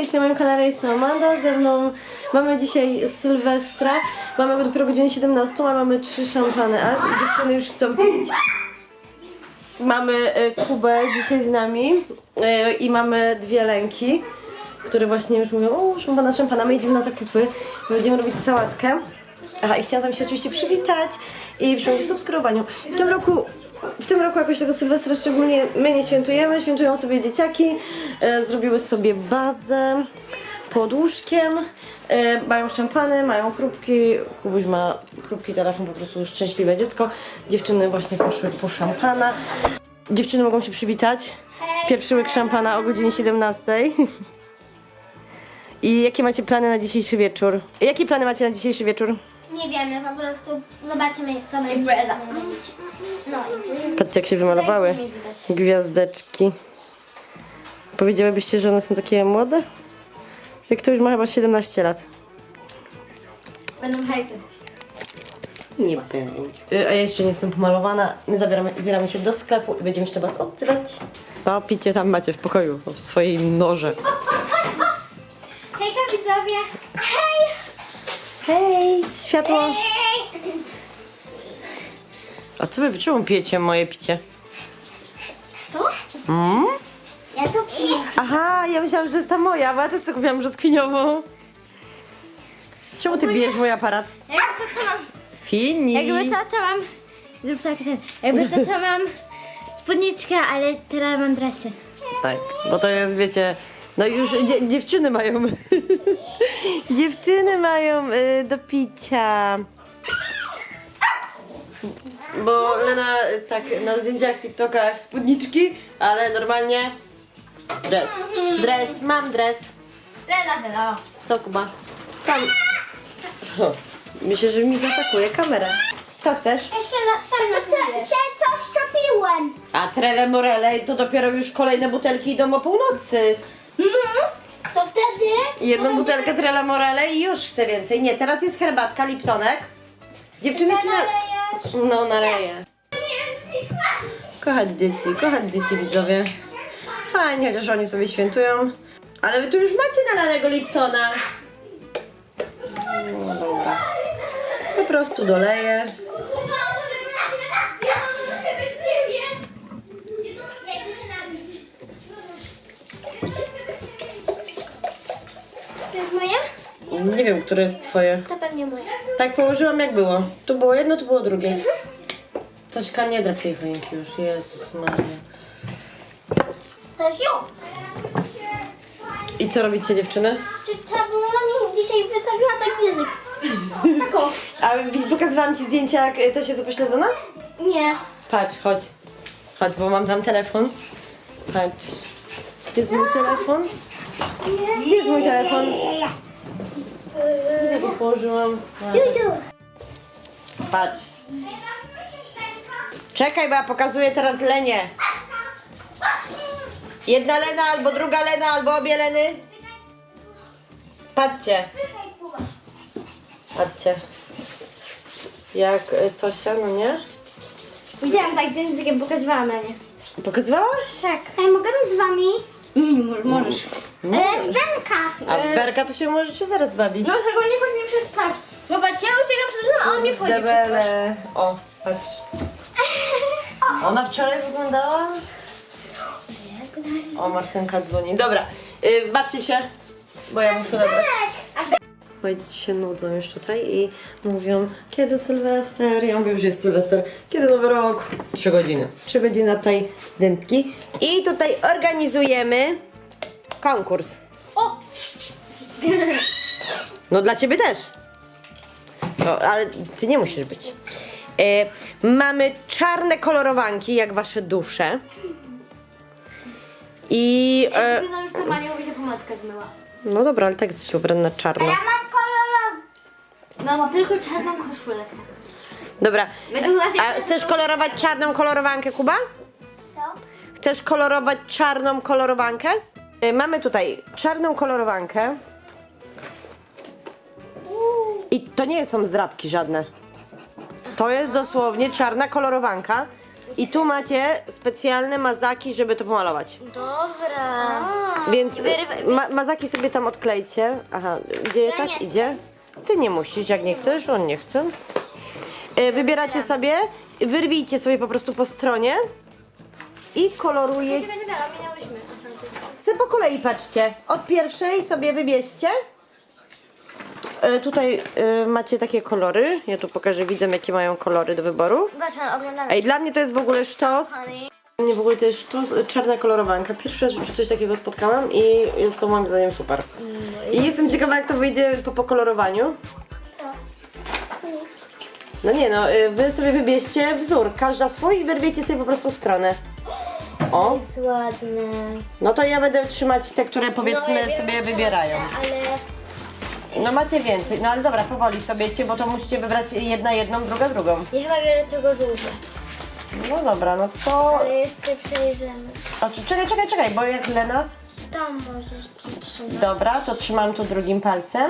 witajcie na moim kanale, jestem Amanda, ze mną mamy dzisiaj Sylwestra, mamy go dopiero godzinę 17, a mamy 3 szampany aż i dziewczyny już chcą pić. Mamy Kubę dzisiaj z nami i mamy 2 lęki, które właśnie już mówią, o szampana, my idziemy na zakupy, będziemy robić sałatkę. Aha, i chciałam się oczywiście przywitać i przyjąć w subskrybowaniu. W tym roku jakoś tego Sylwestra szczególnie my nie świętujemy, świętują sobie dzieciaki, zrobiły sobie bazę pod łóżkiem, mają szampany, mają chrupki, Kubuś ma chrupki, telefon, po prostu szczęśliwe dziecko. Dziewczyny właśnie poszły po szampana. Dziewczyny mogą się przywitać. Pierwszy łyk szampana o godzinie 17. I jakie macie plany na dzisiejszy wieczór? Jakie plany macie na dzisiejszy wieczór? Nie wiemy, po prostu zobaczymy co będzie robić. No i Patrzcie jak się wymalowały gwiazdeczki. Powiedziałybyście, że one są takie młode? Jak to już ma chyba 17 lat. będą hejty. Nie ma pojęcia. A ja jeszcze nie jestem pomalowana. My wybieramy się do sklepu i będziemy jeszcze was odzywać. To picie tam macie w pokoju, w swojej norze. Hejka widzowie! Hej! Hej, światło. Hej! A co wy, czemu pijecie moje picie? To? Mm? Ja to piję. Aha, ja myślałam, że jest ta moja, bo ja też sobie kupiłam brzoskwiniową. Czemu ty bijesz mój aparat? Jakby co mam? Fini. Jakby co to mam? Zrób tak ten. Jakby co to mam spódniczkę, ale teraz mam dresy. Tak, bo to jest, wiecie, no już dziewczyny mają, dziewczyny mają do picia. Bo Lena tak na zdjęciach, TikTokach spódniczki, ale normalnie dres, mam dres. Lena. Co Kuba? Tam. O, myślę, że mi zaatakuje kamera. Co chcesz? Jeszcze tam na Te coś topiłem. A trele morele to dopiero już kolejne butelki idą o północy. To wtedy... Jedną butelkę Trela Morele i już chcę więcej. Nie, teraz jest herbatka, Liptonek. Dziewczyny ci nalejesz? No, naleję. Kochać dzieci widzowie. Fajnie, chociaż oni sobie świętują. Ale wy tu już macie nalanego Liptona. No dobra. Po prostu doleję. To jest moje? Nie wiem, które jest twoje. To pewnie moje. Tak położyłam jak było. Tu było jedno, tu było drugie. Tośka, nie drap tej choinki już. Jezus Maria. To jest ją. I co robicie dziewczyny? Czy trzeba było na mnie dzisiaj wystawiła tak język? Taką. A pokazywałam ci zdjęcia, jak to się tu pośledzona? Nie. Patrz, chodź. Chodź, bo mam tam telefon. Patrz. Gdzie jest mój telefon? Gdzie jest mój telefon? Gdzie go położyłam? Patrz. Czekaj, bo ja pokazuję teraz Lenię. Jedna Lena, albo druga Lena, albo obie Leny. Patrzcie. Patrzcie. Jak Tosia, no nie? Widziałam tak z językiem, pokazywałam na nie. Pokazywałaś? Tak. Ej, mogę z wami? Możesz. Wenka. A w Berka to się możecie zaraz bawić. No tylko nie chodź mi przez twarz. Zobacz, ja uciekam przed nim, a on mnie wchodzi przez twarz. Debele. O, patrz. Ona wczoraj wyglądała? O, Martynka dzwoni. Dobra, bawcie się, bo ja muszę odebrać. Moje dzieci się nudzą już tutaj i mówią, kiedy Sylwester? Ja mówię, że jest Sylwester. Kiedy Nowy Rok? 3 godziny. 3 godziny tutaj dętki. I tutaj organizujemy konkurs. O! No dla ciebie też. No, ale ty nie musisz być. Mamy czarne kolorowanki, jak wasze dusze. I... Wygląda już to Mania, bo się pomadka zmyła. no dobra, ale tak jesteś ubrana na czarno. mam kolorową. Mama, tylko czarną koszulę. Dobra, A a chcesz kolorować czarną kolorowankę, Kuba? Co? Chcesz kolorować czarną kolorowankę? Mamy tutaj czarną kolorowankę. I to nie są zdrabki żadne. To jest dosłownie czarna kolorowanka. I tu macie specjalne mazaki, żeby to pomalować. Dobra. Więc mazaki sobie tam odklejcie. Aha, gdzie Ja tak nie idzie? Ty nie musisz, jak nie chcesz, on nie chce. Wybieracie sobie, wyrwijcie sobie po prostu po stronie i kolorujecie. Minęłyśmy. Sobie po kolei patrzcie. Od pierwszej sobie wybierzcie. Tutaj macie takie kolory. Ja tu pokażę widzom, jakie mają kolory do wyboru. Zobaczmy, oglądamy. Ej, dla mnie to jest w ogóle sztos. Honey. Dla mnie w ogóle to jest sztos, czarna kolorowanka. Pierwszy raz w życiu coś takiego spotkałam i jest to moim zdaniem super. I jestem ciekawa, jak to wyjdzie po pokolorowaniu. Co? No nie no, wy sobie wybierzcie wzór, każda swój i wyrwiecie sobie po prostu stronę. O, Jest ładne. no to ja będę trzymać te, które powiedzmy ja wiem, sobie że wybierają. Ale No macie więcej, no ale dobra, powoli sobie, bo to musicie wybrać jedna jedną, druga drugą. ja chyba biorę tego żółwia. No dobra, no to... Ale jeszcze przejrzymy. O, czekaj, bo jak Lena... Tam możesz przytrzymać. Dobra, to trzymam tu drugim palcem.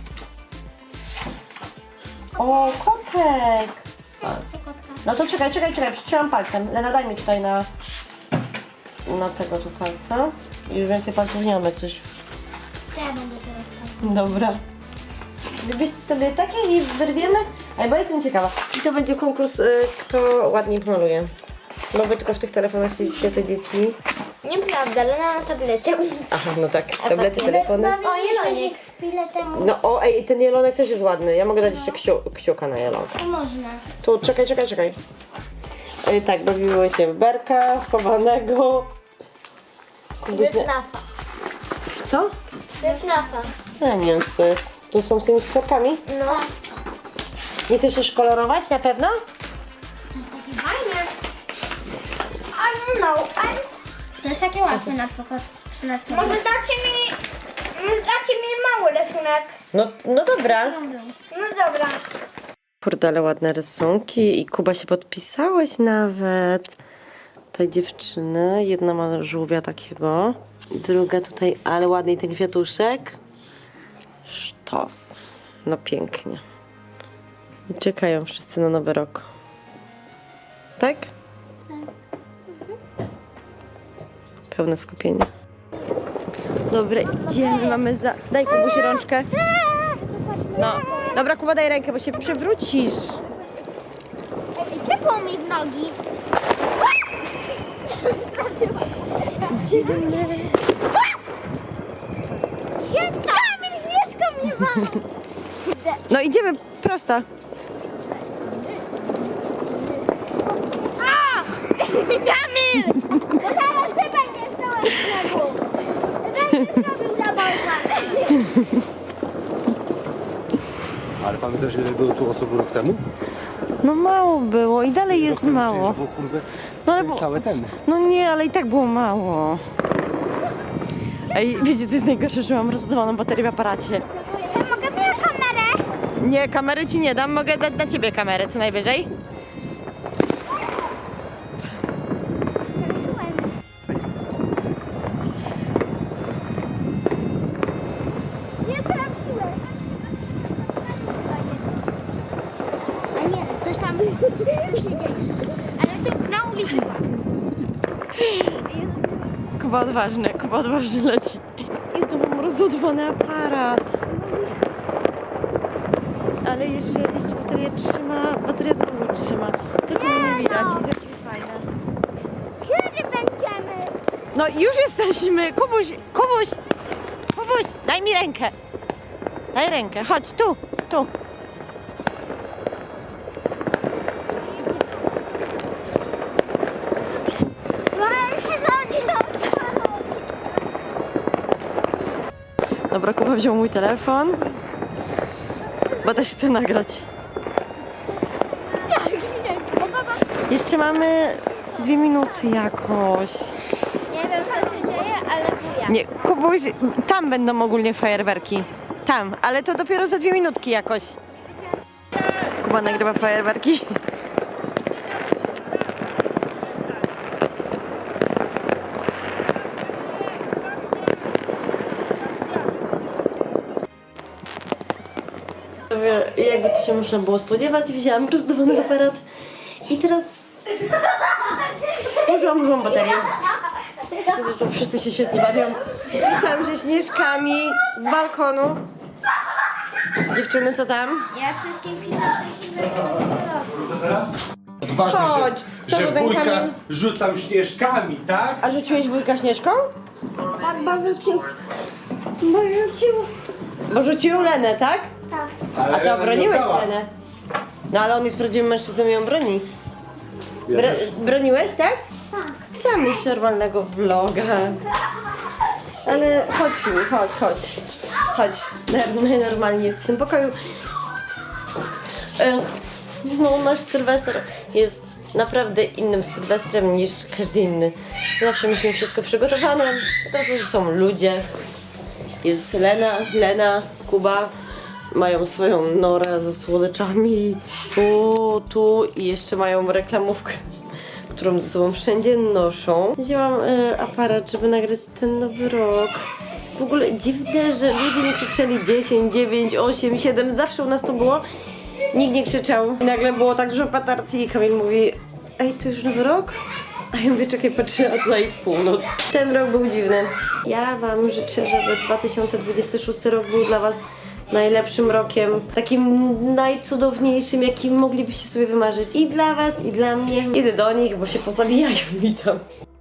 O, kotek! Co kotka? No to czekaj, przytrzymam palcem. Lena, daj mi tutaj na tego tu palca. Już więcej palców nie mamy coś. Ja będę teraz. Dobra. Wybierzcie sobie takie i wyrwiemy. Ej, bo jestem ciekawa. I to będzie konkurs, kto ładniej maluje. No wy tylko w tych telefonach siedzicie, te dzieci. Nieprawda, Lena na tablecie. Aha, no tak, tablety, telefony. O, jelonik. Chwilę temu. No o, ej, ten jelonek też jest ładny. Ja mogę dać jeszcze kciuka na jelonka. To można. Tu, czekaj. Tak, bawiły się w berka, w chowanego. Kubuś nie... Wyfnafa. Co? Wyfnafa. Ja nie wiem, co to jest. To są z tymi kciukami? No. Nie chcesz też kolorować na pewno? Takie fajne. I don't know. To jest takie łatwe na przykład. Może dacie mi mały rysunek. No dobra. No dobra. Kurde, ale ładne rysunki i Kuba się podpisałeś nawet. Tutaj dziewczyny, jedna ma żółwia takiego, druga tutaj, ale ładny ten kwiatuszek. Sztos. No pięknie. I czekają wszyscy na nowy rok. Tak? Pełne skupienie. Dobra, idziemy, mamy za... Daj Kubuś rączkę. No. Dobra, Kuba, daj rękę, bo się przewrócisz. Ciepło mi w nogi. Idziemy. Kamil, Śnieżka mnie ma. No idziemy prosto. Kamil! Bo teraz ty będziesz całe śniegu. Będziesz robił zabawę. Ale pamiętasz, ile było tu osób rok temu? No mało było i dalej jest Rok temu mało. przecież było, kurde, No ale całe ten. no nie, ale i tak było mało. Ej, wiecie co jest najgorsze, że mam rozładowaną baterię w aparacie. Ja mogę mieć kamerę? Nie, kamery ci nie dam, mogę dać na ciebie kamerę co najwyżej. Nie trafiłem. A nie, coś tam się dzieje. Ale tu na ulicy. Kuba odważny leci. I znowu mam rozładowany aparat. Ale jeszcze bateria trzyma, bateria to długo trzyma. Tylko mnie nie widać, jest jakie fajne. Kiedy będziemy? No już jesteśmy! Kubuś, daj mi rękę. Daj rękę, chodź, tu. Dobra, Kuba wziął mój telefon, bo też chcę nagrać. Jeszcze mamy 2 minuty jakoś. Nie wiem, co się dzieje, ale buja. Nie, Kubuś, tam będą ogólnie fajerwerki. Tam, ale to dopiero za 2 minutki jakoś. Kuba nagrywa fajerwerki. Jakby to się można było spodziewać, wzięłam rozdawany aparat i teraz założyłam dużą baterię. Tu wszyscy się świetnie bawią. Rzucam się śnieżkami z balkonu. Dziewczyny, co tam? Ja wszystkim piszę szczęśliwego nowego roku. Odważnie, Chodź, to że ten wujka kamień. rzucam śnieżkami, tak? A rzuciłeś wujka śnieżką? Tak, bo rzucił. Bo rzucił. Bo rzucił Lenę, tak? Tak. A ty obroniłeś Lenę. No ale on jest prawdziwym mężczyzną i ją broni. Broniłeś, tak? Tak. Chciałam mieć normalnego vloga. Ale chodź Filip, chodź. Chodź, najnormalniej jest w tym pokoju. No, nasz Sylwester jest naprawdę innym Sylwestrem niż każdy inny. Zawsze mieliśmy wszystko przygotowane, a teraz już są ludzie. Jest Lena, Kuba. Mają swoją norę ze słodyczami. Tu i jeszcze mają reklamówkę, którą ze sobą wszędzie noszą. Wzięłam aparat, żeby nagrać ten nowy rok. W ogóle dziwne, że ludzie nie krzyczeli 10, 9, 8, 7. Zawsze u nas to było. Nikt nie krzyczał. I nagle było tak dużo petard i Kamil mówi: ej, to już nowy rok? A ja mówię, czekaj, patrzę, a tutaj północ. Ten rok był dziwny. Ja wam życzę, żeby 2026 rok był dla was najlepszym rokiem, takim najcudowniejszym, jakim moglibyście sobie wymarzyć. I dla was, i dla mnie. Idę do nich, bo się pozabijają mi tam.